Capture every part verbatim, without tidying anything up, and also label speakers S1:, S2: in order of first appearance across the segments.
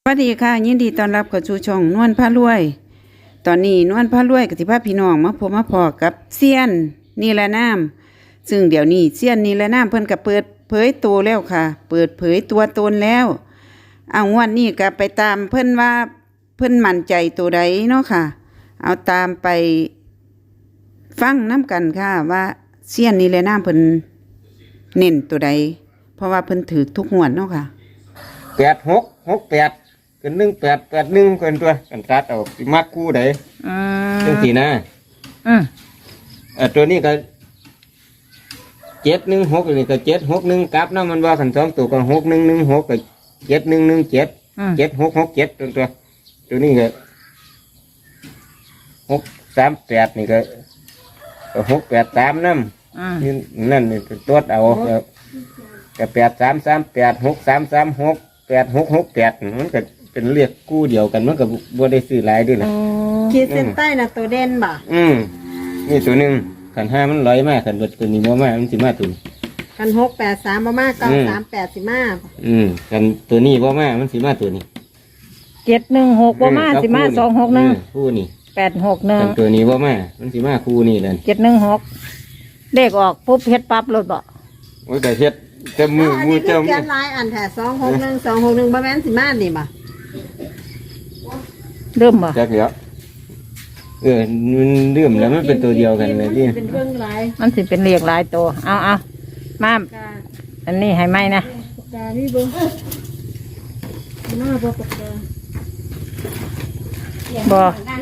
S1: วัสดีค่ะยินดีต้อนรับกับชูช่องนวลพารวย ตอนนี้นวลพารวยกับที่พาพี่น้องมาพบมาพอกับเซียนนิรนามซึ่งเดี๋ยวนี้เซียนนิรนามเพิ่นก็เปิดเผยตัวแล้วค่ะ เปิดเผยตัวตนแล้วเอางวดนี้ก็ไปตามเพิ่นว่าเพิ่นมั่นใจตัวใดเนาะค่ะ เอาตามไปฟังน้ำกันค่ะว่าเซียนนิรนามเพิ่นเน้นตัวใดเพราะว่าเพิ่นถือทุกงวดเนาะค่ะ
S2: แปดหกหกแปดกันหนึ่งแปดแปดหนึ่งกันตัวกันตัดเอาสิมักคู่ใด
S1: อืม
S2: จังสีนะ
S1: อืม
S2: อ่าตัวนี้ก็เจ็ดหนึ่งหกนี่ก็เจ็ดหกหนึ่งกลับนะมันว่าขันสองตัวก็หกหนึ่งหนึ่งหกก็เจ็ดหนึ่งหนึ่งเจ็ดเจ็ดหกหกเจ็ดตัวตัวตัวนี้ก็หกสามแปดนี่ก็หกแปดสามนั่นนี่นั่นนี่ตัวเอาก็แปดสามสามแปดหกสามสามหกแปดหกหกแปดมันก็เป็นเรียกกู้เดียวกันมันก็บ่ได้ซื้อหลายด้วยนะ
S3: ขีดเส้นใต้น่ะตัวเด่นบ่
S2: อืมนี่ตัวหนึ่งขันห้ามันลอยมากขันเบิดตัวนี้บ่มากมันสิมาตัวนี้
S3: ขันหกแปดสามบ่มากเก้าสามแปดสิมา
S2: อืมขันตัวนี้บ่มากมันสิมาตัวนี้
S1: เจ็ดหนึ่งหกบ่มาสิมาสองหกหนึ่ง
S2: คู่นี่
S1: แปดหกหนึ่ง
S2: ตัวนี้บ่มามันสิมาคู่นี่นั่น
S1: เจ็ดหนึ่งหกเลขออกปุ๊บเฮ็ดปั๊บรถบ่
S2: โอ้ยแต่เฮ็ดแต่มือมือเจ้า
S3: เขียนลายอันแท้สองหกหนึ่งสองหกหนึ่งบ่แม่นสิมานี่บ่
S1: เริ่มบ่
S2: จักเดี๋ยวเออมันเริ่มแล้วมันเป็นตัวเดียวกันเลยที่
S3: เป็นเรื่องหลาย
S1: มันสิเป็นเลขหลายตัวเอาเอามาอันนี้ให้ไหมนะ
S3: ปากกานี่เบิ่งมาบ่ปากกา
S1: บ่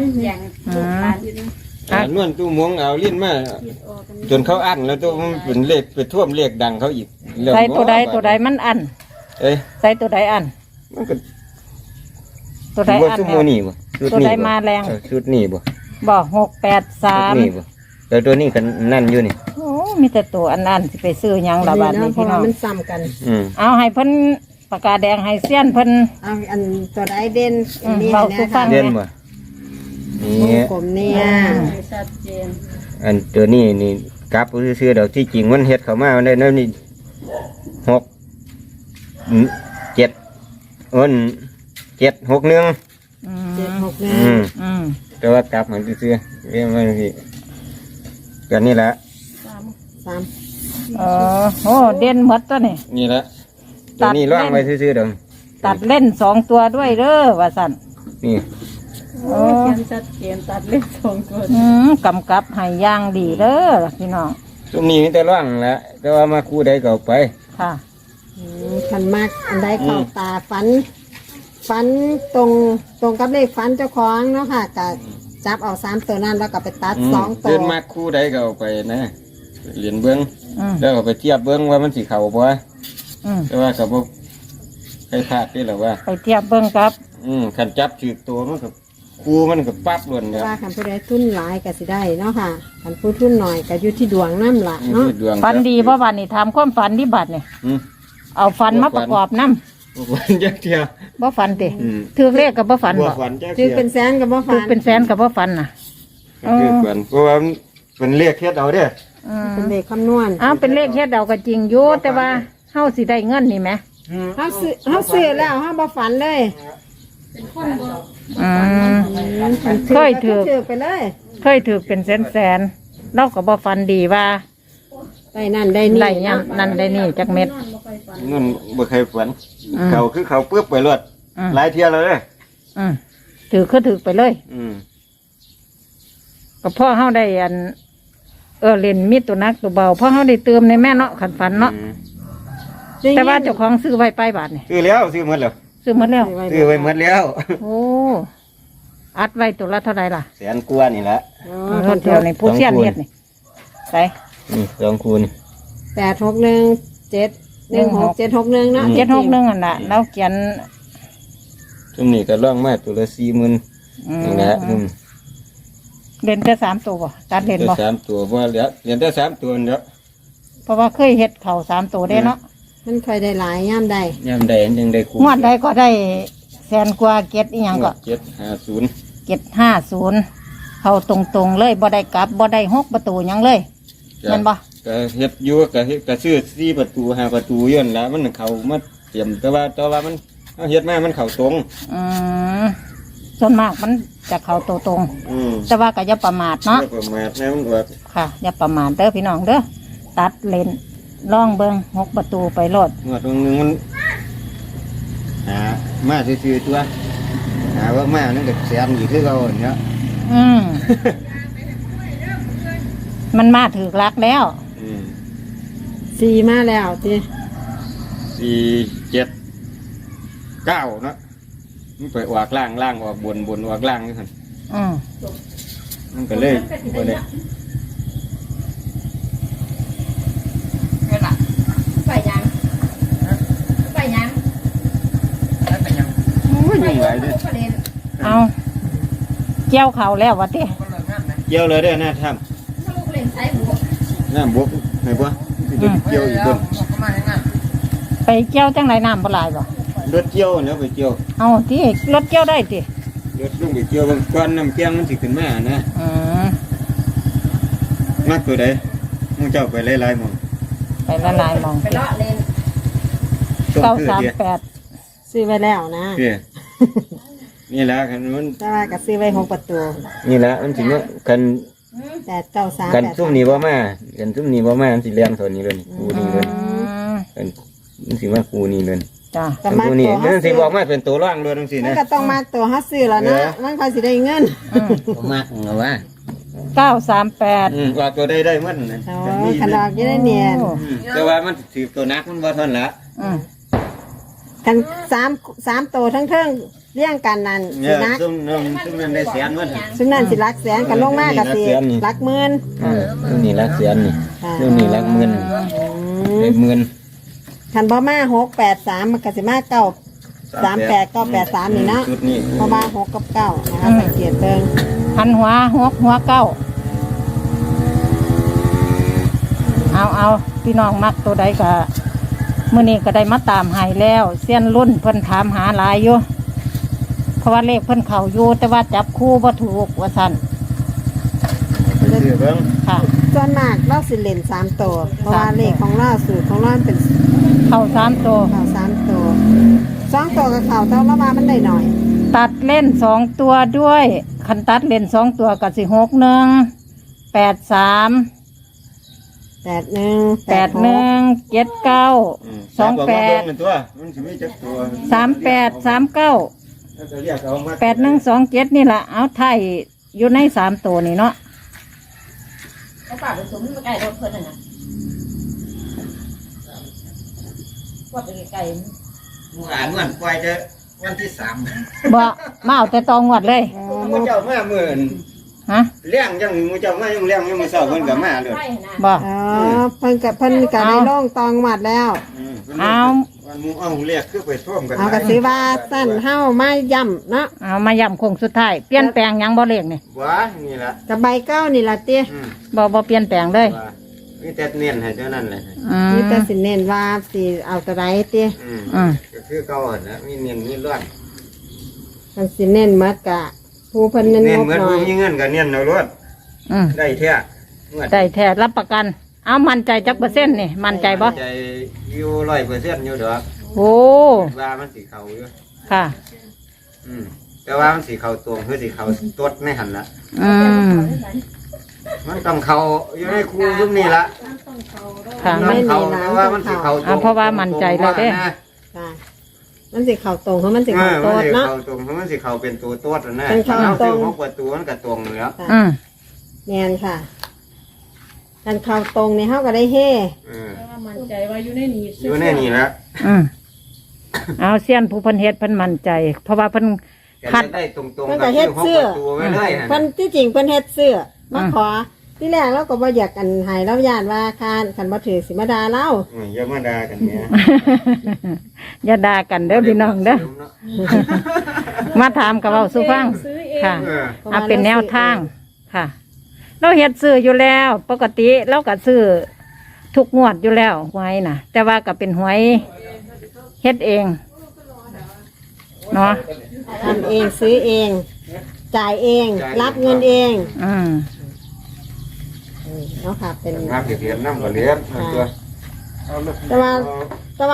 S2: อ่านวลตู้มวงเอาลิ้นมาจนเขาอั้นแล้วตัวมันเป็นเลขเป็นท่วมเลขดังเขาอีก
S1: ใส่ตัวใดตัวใดมันอั้น
S2: เอ้ย
S1: ใส่ตัวใดอั้น
S2: มันก็
S1: ตัวใดอั้นตัวใดมาแรง
S2: ชุดนี้บ่
S1: บ่หกแปดสาม
S2: นี่บ่แล้วตัวนี้กันนั่นอยู่นี่
S1: โอ้มีแต่ตัวอันนั้นสิไปซื้อยังละบาทนี้พี่น้อง
S3: มันซ้ำกัน
S1: เอาให้เพิ่นปากกาแดงให้เสี้ยนเพิ่น
S3: เอาอันตัวใดเด่น
S1: นี่นะคะ
S2: เด่นบ่
S3: นี่กลมเนี่ยชัดเจน
S2: อันตัวนี้นี่กราฟซื้อเดี๋ยวที่จริงมันเฮ็ดเข้ามาได้นั่นนี่หกเจ็ดอ้นเจ็ดหกหนึ่ง
S3: เจ็ดหกหนึ่ง
S2: แต่ว่ากราฟมันซื้อเรียกว่าที่กันนี่แหละ
S3: สามสาม
S1: อ๋อโอ้เด่นหมดตัวนี่
S2: นี่แหละตัวนี้ล่างไว้ซื้อเดี๋ยว
S1: ตัดเล่นสองตัวด้วยเด้อว่าสั่น
S2: นี่
S3: โอ้เขียนชัดเจนตัดเล่นสองตัว
S1: อืมกำกับให้ย่างดีเด้อพี่น้อง
S2: ตัวนี้มีแต่ล่างแล้วแต่ว่ามาคู่ใดก็ไป
S1: ค่ะ
S3: ขันมากอันใดเข้าตาฟันฟันตรงตรงกับเลขฟันเจ้าของเนาะค่ะกับจับเอาสามตัวนั้นแล้วก็ไปตัดสองตัว
S2: เดินมาคู่ใดก็เอาไปนะเหรียญเบื้องแล้วก็ไปเทียบเบื้องว่ามันสีเข่าบ่แต่ว่ากับพวกใครพลาดที่หรอว่า
S1: ไปเทียบเบื้องครับ
S2: อืมขันจับถือตัวมันกับคูมันกับปั๊บล้วนเนี่ย
S3: ว่าขันผู้ใดทุนหลายก็สิได้เนาะค่ะขันผู้ทุนหน่อยก็อยู่ที่ดวงน้ำละเนาะ
S1: ฟันดีเพราะวันนี้ทำความฝันที่บัดเนี่ยเอาฟันมาประกอบน้
S2: ำฟันยักษ์เทีย
S1: บ่ฟันติถือเลขกับบ่ฟันบ่
S3: ถือเป็นแสนกับบ่ฟันถือ
S1: เป็นแสนกับบ่ฟันน่ะ
S2: ถือเป็นเพราะว่าเป็นเลขเฮ็ดเอาเด้อ
S3: เป็นเลขคำนวณ
S1: อ้าวเป็นเลขเฮ็ดเอาก็จริงอยู่แต่ว่าเฮาสิได้เงินนี่ไหม
S3: เฮาซื้อเฮาซื้อแล้วเฮาบ่ฝันเลย
S1: อืมเคยถือ
S3: ไปเลย
S1: เคยถือเป็นแสนแสนเราก็บ่ฟันดีว่า
S3: ได้นั่นได้นี่
S1: ได้ยังนั่นได้นี่จักเม็ด
S2: นั่นบ่เคยฝันเขาคือเขาเปื้อไปรวดหลายเที่ยวเลย
S1: อืมถือคือถือไปเลย
S2: อืม
S1: ก็พ่อเฮาได้อันเออเล่นมีดตัวนักตัวเบาพ่อเฮาได้เติมในแม่เนาะขันฝันเนาะแต่ว่าเจ้าของซื้อไว้ไปบาทนี่
S2: ซื้อแล้วซื้อหมดแล้ว
S1: ซื้อหมดแล้ว
S2: ซื้อไว้หมดแล้ว
S1: โอ้อัดไว้ตัวละเท่าไรล่ะ
S2: แสนกว่านี่แหละ
S1: รถเดียวในผู้เชี่ยวเฮ็ดนี่ใส่
S2: นี่สองคูณ
S3: แปดหกหนึ่งเจ็ดหนึ่งหกเจ็ดหกหนึ่งเนาะ
S1: เจ็ดหกหนึ่งอันละแล้วเขียน
S2: ตรงนี้ก็ล่องมาตัวละสี่หมื่นนี่แหละ
S1: เล่นแค่สามตัวบ่ตัดเล่นบ่
S2: สามตัวเพราะเหลือเหลือแต่สามตัวเนาะ
S1: เพราะว่าเคยเฮ็ดเข่าสามตัวได้เนาะ
S3: มันเคยได้หลายย่ำใด
S2: ย่ำใดยังได้
S1: คู่งวดใดก็ได้แสนกว่าเก็ดอีหยังก็
S2: เจ็ดห้าศูนย์
S1: เจ็ดห้าศูนย์เข้าตรงๆเลยบ่ได้กลับบ่ได้หกประตูยังเลยเห็นบ่
S2: ก็เฮ็ดอยู่ก็เฮ็ดก็ซื้อสี่ประตูห้าประตูย้อนแล้วมันเข้ามาเตรียมแต่ว่าแต่ว่ามันเอาเฮ็ดมามันเข้าตรง
S4: อืมส่วนมากมันจะเข้าตัวตรง
S2: อืม
S4: แต่ว่าก็อย่าประมาทเนาะ
S2: แล้วก็มาแม่มันออก
S4: ค่ะ อย่าประมาทเด้อพี่น้องเด้อตัดเลนล่องเบิงหกประตูไปโลด
S2: งวดตรงนึงมันหามาซื่อๆตัวหาว่ามานั่นก็แสนอยู่คือเก่าเนี่ย
S4: อืม มันมาถือลักแล้ว
S2: อืม
S3: สี่มาแล้วติ
S2: สี่เจ็ดเก้าเนาะมันไปออกล่างล่างออกบนบนออกล่างนี่คั่น
S4: อืม
S2: มันก็เลยบ่ได้
S5: ไปยังไปยัง
S2: โอ้ยยุ่งหลายเด้อ
S5: ประเด็น
S4: เอาเกี่ยวเขาแล้ววะติ
S2: เกี่ยวเลยเด้อหน้าถ้
S5: ถ้าลูกเล่นใช้บุก
S2: ำน้ำบกไหนบ่สิเกี่ยวอีกคน
S4: ไปเกี่ยวจังไรน้ำบ่หลายบ่
S2: รถเกี่ยวแล้วไปเกี่ยว
S4: เอาที่รถเกี่ยวได้ติ
S2: รถลงไปเกี่ยวบางก้อนน้ำเกียงมันสิขึ้นมานะ
S4: อืม
S2: มักตัวใดมึงเจ้าไปหลายๆหมอง
S4: ไปละลายมอง
S5: ไปเลาะเล่น
S2: ต้ม
S4: เก้า
S2: คือ
S4: สาม
S2: เดียว
S4: แปด
S3: ซื้อไว้แล้วนะ
S2: เด้อนี่แหละคันมัน
S3: แต่ว่าก็ซื้อไว้หกประตู
S2: นี่แหละมันสิมาคัน
S3: แปดเก้าสาม
S2: กัน
S3: แปด
S2: ซุ่มนี้บ่มากันซุ่มนี้บ่มามันสิเลี้ยงตัวนี้เลยกูนี่เลย
S4: อืม
S2: กันมันสิมากูนี่เลย
S4: จ้ะ
S3: ก็
S2: กัน
S3: มา
S2: กูนี่
S3: ตัว
S2: มั
S3: เฮาน
S2: สิ
S3: ซื้อ
S2: บอกมาเป็นตัวร่างเลยจังซี่
S3: มัน
S2: นะ
S3: ก็ต้องมาตัวเฮาซื้อแล้วนะมันค่อยสิได้เงิน
S4: อืม
S2: บ่มักเอาว่า
S4: เก้าสามแปด
S2: อืมว่าตัวใดได้มันนะ
S3: โอ้
S2: กันนี่
S3: ขนอกอยังได้เนียน
S4: โอ้
S2: อืมแต่ว่ามันถือตัวนักมันบ่เท่านนละ
S4: อืม
S3: กันสามสามตัวทั้งเทิงเลี้ยงกันนั่น
S2: เนี่
S3: สิ
S2: ย
S3: นัก
S2: ซุ่มนั่นซุ่มนั้นได้แสนมัน
S3: ซึ่งนั่นสิรักแสนกันลงมากกับสิ
S2: นี่รักแสนนี่
S3: รักหมื่น
S2: อืมซุ่มนี่รักแสนนี่
S3: ค่ะ
S2: ซุ่มนี่รักหมื่น
S3: อืม
S2: ได้หมื่น
S3: คันบ่มาหกแปดสามมันก็สิมาเก้าสามแปดเก้าแปดสามนี่เนาะ
S2: ชุดนี้
S3: เพราะว่าหกกับเก้านะคะสังเกตเบิ่ง
S4: หันหัวหกหัวเก้าเอาเอาพี่น้องมักตัวใดก็มื้อนี้ก็ได้มาตามใหายแล้วเสี้ยนรุ่นเพิ่นถามหาหลายอยู่เพราะว่าเลขเพิ่นเข้าอยู่แต่ว่าจับคู่บ่ถูกว่าซั่น
S2: ซื้อเบิ่ง
S4: ค่ะ
S3: ส่วนมากเราสิเล่นสามตัวเพราะว่าเลขของเราสูตรของเราเป็น
S4: เข้าสามตัว
S3: ข่าวสามตัวสองตัวกับข่าวเท่าละว่ามันได้หน่อย
S4: ตัดเล่นสองตัวด้วยคันตัดเล่นสองตัวกับสิหกหนึ่งแปดสาม
S3: แปดหนึ่ง
S4: แปดหนึ่งเจ็ดเก้า
S2: ม
S4: สองแปด
S2: จับเอามาเบิ่งเป็นตัวมันสิมีจักตัว
S4: สามแปดสามเก้า
S2: แล้วก็เรียกเอามา
S4: แปดหนึ่งสองเจ็ดนี่แหละเอาไทยอยู่ในสามตัวนี่เนาะ
S5: ก็ป่าไปสมใกล้รถเพิ่นน่ะนะว่าไปไกล
S2: หมู่อ่านวันปล่อยจะวันที่สาม
S4: บ่มาเอาแต่ตองวดเลย
S3: อ๋อ
S2: หมู่เจ้ามามื้อนั้น
S4: ฮะ
S2: เลี้ยงยังหมู่เจ้ามายังเลี้ยงยังมื้อเช้าเพิ่นก็มาเลย
S5: ใกล้นะ
S4: บ่
S3: อ๋อเพิ่นกับเพิ่นกับได้ล่องตองหมัดแล้ว
S2: อืมพิ่น
S4: เอา
S2: วันหมู่เอาเรียกคือไปท่วมกัน
S3: เอากระซื้อว่าสั้นเฮ้ามาย่ำเนาะ
S4: เอามาย้ำโคงสุดท้ายเปลี่ยนแปลงหยังบ่เลขนี่
S2: ว้านี่ล่ะ
S3: กับใบเก้านี่ล่ะเตี้ย
S2: อืม
S4: บ่บ่เปลี่ยนแปลงเลย
S2: ว่ามีแต่เน้นให้เท่านั้นแหละ
S4: อืม
S3: นี่แต่สิเน้นว่าสิเอาตัวใดเตี้ย
S2: อืม
S4: อืม
S2: ก็คือเก่าหั่นนะมีเน้นมีรวด
S3: มันสิเน้นหมัดกะผู้เพิ่นเน้น
S2: เน้น
S3: งบ
S2: เหมือน
S3: หน่อ
S2: ผู้
S3: ย
S2: มีเงินก็เน้นเอารวด
S4: อืม
S2: ได้แท้เงิน
S4: ได้แท้รับประกัน เอามั่นใจจักเปอร์เซ็นต์นี่มั่นใจบ่
S2: ใจอยู่ร้อยเปอร์เซ็นต์อยู่ดอก
S4: โอ้
S2: ว่ามันสีเขาอยู่
S4: ค่ะ
S2: อืมแต่ว่ามันสีเขาตรงคือสีเขาตดในหันละ
S4: อืม
S2: มันต้องเขาอยู่ในคูยุคนี้ละ
S4: ค่ะ
S2: มั
S4: มัน
S2: นเขาแต่ว่ามันสีเขาตร
S4: อ่าง เพราะว่ามั่นใจแล้วเด้
S2: นะ
S3: ค่ะมันสิเข่าตรงเพราะมันสิ
S2: เอ
S3: เข่า
S2: อ
S3: โต
S2: มัน
S3: ด
S2: สี
S3: เนาะ
S2: เขาตรงเพราะมันสีเขาเป็นตัวตดนะ
S3: เป็นเขา
S2: เอา
S3: ตร
S2: ซื้อง หกประตูมันก็ตรงอยู่แล้ว
S4: อืม
S3: แม่นค่ะกันเข่าตรงนี่เฮาก็ได้เฮ
S2: เออ
S5: มั่นใจว่าอยู่ในนี้
S2: อยู่ในนี่ละ
S4: อืมเอาเสี้ยนผู้เพันเฮ็ดเพิ่นมั่นใจ เพราะว่าเพิ่น คัด
S2: จะได้ตรงๆ
S3: เพิ่น
S2: กั
S3: ก็
S2: บ
S3: เฮ็
S2: ที่
S3: ด
S2: หก
S3: เสื้อ
S2: ประตูไว้เลย
S3: เพิ่นที่จริงเพิ่นเฮ็ดเสื้อมา
S4: อืม
S3: ขอ ที่แรกเราก็บ่อยากกันให้เราย่านว่าคานคันบ่ถือสิมาด่าเรา
S2: อืมอย่ามาด่ากันเนี่ย
S4: อย่าด่ากันเด้อพี่น้องเด้อมาถามกับเราสุฟังค่ะ
S2: เออ
S4: เอาเป็นแนวทางค่ะ เราเฮ็ดซื้ออยู่แล้ว ปกติเราก็ซื้อทุกงวดอยู่แล้วหวยน่ะ แต่ว่าก็เป็นหวยเฮ็ดเองเนาะ
S3: ทำเองซื้อเอง จ่ายเอง รับเงินเอง
S4: อืม
S3: อืมเนาะค่ะเป็น
S2: ภาพเขียนน้ำก็เลี้ยงตัว
S3: แต่ว่าแต่ว่า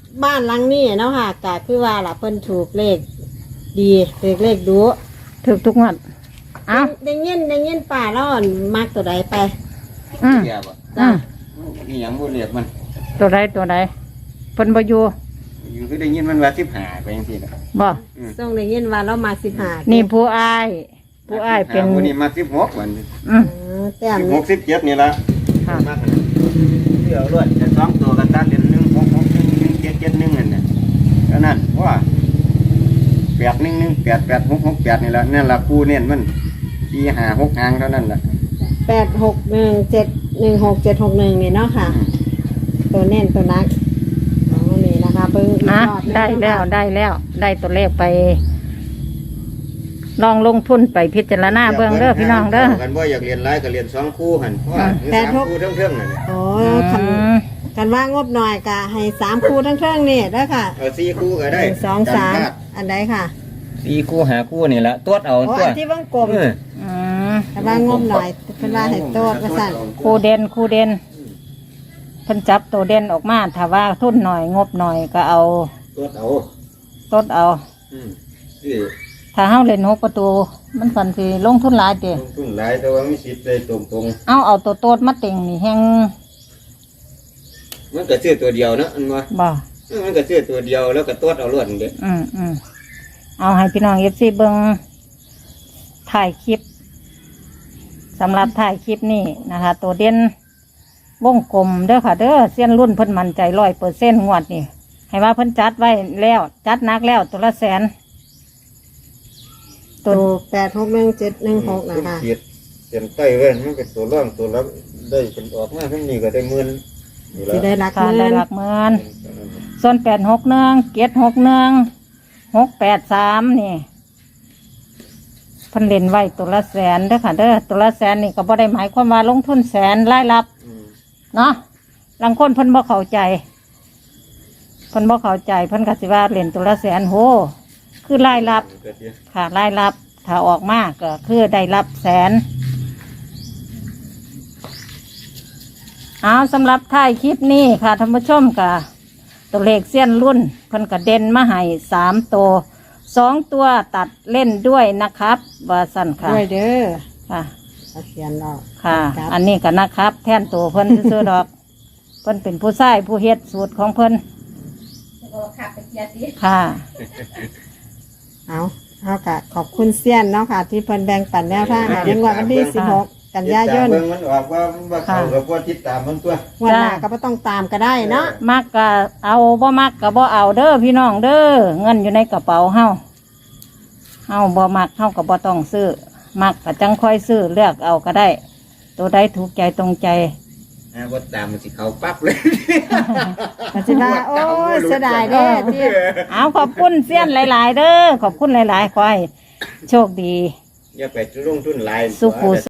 S3: บ้านหลังนี้เนาะค่ะก็คือว่าล่ะเพิ่นถูกเลขดีถูกเลขดู
S4: ถูกทุกงวดเอ้า
S3: ได้ยินได้ยินป่าแล้วอั่นมักตัวใดไป
S4: อืม
S2: แย่บ่
S4: อืม
S2: นี่หยังบ่เรียกมัน
S4: ตัวใดตัวใดเพิ่นบ่อยู่
S2: อยู่คือได้ยินมันว่าสิบห้าไปจังซี่น่ะ
S4: บ่
S3: ส่งได้ยินว่าเรามาสิบห้า
S4: นี่ผู้อ้ายผู้อ้ายเป็น
S2: ผู้นี้มาสิบหกวัน
S4: อืม
S3: แต้ม
S2: สิบหกสิบเจ็ดนี่ละ
S4: ค่ะ
S2: มากเลยเดี๋ยวรวดจะสองตัวกันตัดเดือนหนึ่งหกหกหนึ่งหนึ่งเจ็ดเจ็ดหนึ่งนั่นน่ะก็นั่นว่าแปดหนึ่งหนึ่งแปดแปดหกหกแปดนี่ละนั่นละคู่เนี่ยมันสี่ห้าหกหางเท่านั้นแหละ
S3: แปดหกหนึ่งเจ็ดหนึ่งหกเจ็ดหกหนึ่งนี่เนาะค่ะ ตัวเน้นตัวนักอ๋อนี่นะคะเบิ้งอีก
S4: อ่ะ
S3: รอบหนึ่ง
S4: ได้แล้ว
S3: เนาะค่ะ
S4: ได้แล้ว ได้ตัวเลขไป ลองลงทุนไปพิจารณาเบิ่งเด้อพี่น้องเด้อ
S2: กันว่าอยากเรียนไล่ก็เรียนสองคู่หันเพราะว่ามีสามคู่เท่งๆนั่นน่ะ
S3: โอ้
S4: อื
S3: คัน
S4: ม
S3: กันว่างบหน่อยกะให้สามคู่ทั้งเทิงนี่เด้อค่ะ
S2: เอาสี่คู่ก็
S3: ห
S2: ได้
S3: นึ่งสองสามอันใดค่ะ
S2: สี่คู่หาคู่นี่ละตัวเอา
S3: โอ้
S2: ตัว
S3: อันที่วงกลม
S2: เออ
S4: อืม
S3: กันว่างบหน่อยเพิ่นว่าให้โตดว่าสั่น
S4: ครูเด่นครูเด่นเพิ่นจับตัวเด่นออกมาถ้าว่าทุนหน่อยงบหน่อยก็เอา
S2: ตัวเอา
S4: ตดเอา
S2: อืมนี่
S4: ถ้าเฮาเล่นหกประตู มันสันสิลงทุนหลายเด้
S2: ลงทุนหลายแต่ว่ามีสิทธิ์ได้ตรง
S4: เอาเอาตัวโตดมาเต็งนี่แฮง
S2: ๆมันก็ซื้อตัวเดียวเนาะอันว่า
S4: บ่
S2: เออมันก็ซื้อตัวเดียวแล้วก็ตัวเอาล้วนเด้
S4: อืมอืมเอาให้พี่น้องเอฟซีเบิงถ่ายคลิปสำหรับถ่ายคลิปนี่นะคะ ตัวเด่นวงกลมเด้อค่ะ เด้อเส้นรุ่นเพิ่นมั่นใจร้อยเปอร์เซ็นต์งวดนี่ให้ว่าเพิ่นจัดไว้แล้ว จัดหนักแล้วตัวละแสน
S3: ตัวแปดหกหนึ่งเจ็ดหนึ่งหกนะคะ
S2: เขียดเขียนใต้เว้นมันเป็นตัวร่องตัวรับได้เป็นออกมาทั้งนี้ก็ได้หมื่นนี่
S3: สิ
S2: ละ
S3: ได้รัก
S4: ค่ะ
S3: เงิ
S4: ได้
S3: น
S4: หลักหมื่นส่วนแปดหกหนึ่งเกียรหกหนึ่งหกแปดสามนี่เพิ่นเล่นไว้ตัวละแสนเด้อค่ะ เด้อตัวละแสนนี่ก็บ่ได้หมายความว่าลงทุนแสนรายรับ
S2: อืม
S4: เนาะบางคนเพิ่นบ่เข้าใจเพิ่นบ่เข้าใจเพิ่นก็สิว่าเล่นตัวละแสนโหคือรายรับ
S2: ก็สิ
S4: ค่ะรายรับถ้าออกมาก็คือได้รับแสนเอาสำหรับท้ายคลิปนี้ค่ะท่านผู้ชมก็ตัวเลขเส้นรุ่นเพิ่นก็เด่นมาให้สามตัวสองตัวตัดเล่นด้วยนะครับว่าสั่นค่ะ
S3: ด้วยเด้อ
S4: ค่ะ
S3: เอาเขียนออก
S4: ค่ะ
S3: ครับ
S4: อันนี้ก็นะครับ แทนตัวเพิ่นซื้อๆดอก เพิ่นเป็นผู้ชายผู้เฮ็ดสูตรของเพิ่น
S5: โอ้ขับไปเกียร์สิ
S4: ค่ะ
S3: เอาเอากะขอบคุณเซียนเนาะค่ะ ที่เพิ่นแบ่งปันแนวทางให้ในงวดวันที่สิบหกกันยายน
S2: เบิ่งมันออกว่าว่าเขากับว่าติดตามมันตัว
S3: งวันหน้าก็บ่ต้องตามก็ได้เนาะ
S4: มักก็เอาบ่มักก็บ่เอาเด้อพี่น้องเด้อเงินอยู่ในกระเป๋าเฮาเฮาบ่มักเฮาก็บ่ต้องซื้อมักก็จังค่อยซื้อเลือกเอาก็ได้ ตัวใดถูกใจตรงใจ
S2: อ่าว่าตามมันสิเขาปั๊บเลย
S3: ก็สิว่าโอ้ยเสียดายเด้อที่
S4: เอาขอบคุณเสี้ยนหลาย ๆ เด้อขอบคุณหลายๆขอให้โชคดี
S2: อย่าไปลงทุนหลาย
S4: สุขุ